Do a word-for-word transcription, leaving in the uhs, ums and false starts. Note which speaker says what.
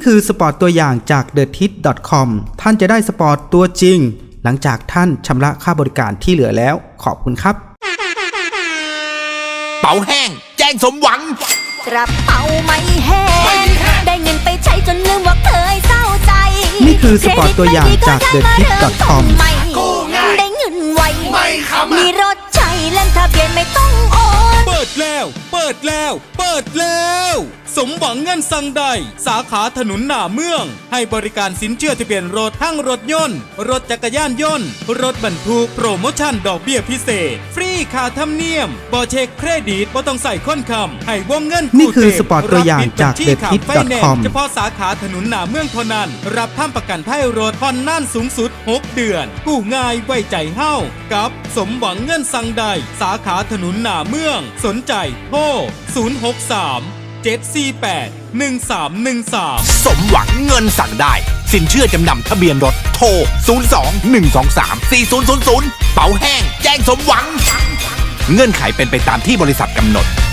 Speaker 1: คือสปอร์ตตัวอย่างจาก เดอะทิส ดอท คอม ท่านจะได้สปอร์ตตัวจริงหลังจากท่านชำระค่าบริการที่เหลือแล้วขอบคุณครับ
Speaker 2: เป๋าแห้งแจ้งสมหวัง
Speaker 3: กระเป๋าไม่แห้งได้เงินไปใช้จนลืมว่าเคยเศร้าใจ
Speaker 1: นี่คือสปอร์ตตัวอย่างจาก เดอะทิส ดอท คอม
Speaker 3: ได้เงินไวมีรถใช้เล่นทะเบียนไม่ต้องโอน
Speaker 4: เปิดแล้วเปิดแล้วเปิดแล้วสมหวังเงินสั่งใดสาขาถนนหน้าเมืองให้บริการสินเชื่อทะเบียนรถทั้งรถยนต์รถจักรยานยนต์รถบรรทุกโปรโมชั่นดอกเบี้ยพิเศษฟรีค่าธรรมเนียมบ่เช็คเครดิตบ่ต้องใส่ค้นคำให้วงเงิน
Speaker 1: นี่คือสปอร์ตตัวอย่างจาก เดอะทิส ดอท คอม
Speaker 4: เฉพาะสาขาถนนหน้าเมืองเท่านั้นรับทำประกันภัยรถผ่อนนานสูงสุดหกเดือนกู้ง่ายไว้ใจเฮ้ากับสมหวังเงินสั่งใดสาขาถนนหน้าเมืองสนใจโทรศูนย์ หก สาม เจ็ด สี่ แปด หนึ่ง สาม หนึ่ง สาม
Speaker 2: สมหวังเงินสั่งได้สินเชื่อจำนำทะเบียนรถโทรศูนย์ สอง หนึ่ง สอง สาม สี่ ศูนย์ ศูนย์ ศูนย์เป๋าแห้งแจ้งสมหวังเงื่อนไขเป็นไปตามที่บริษัทกำหนด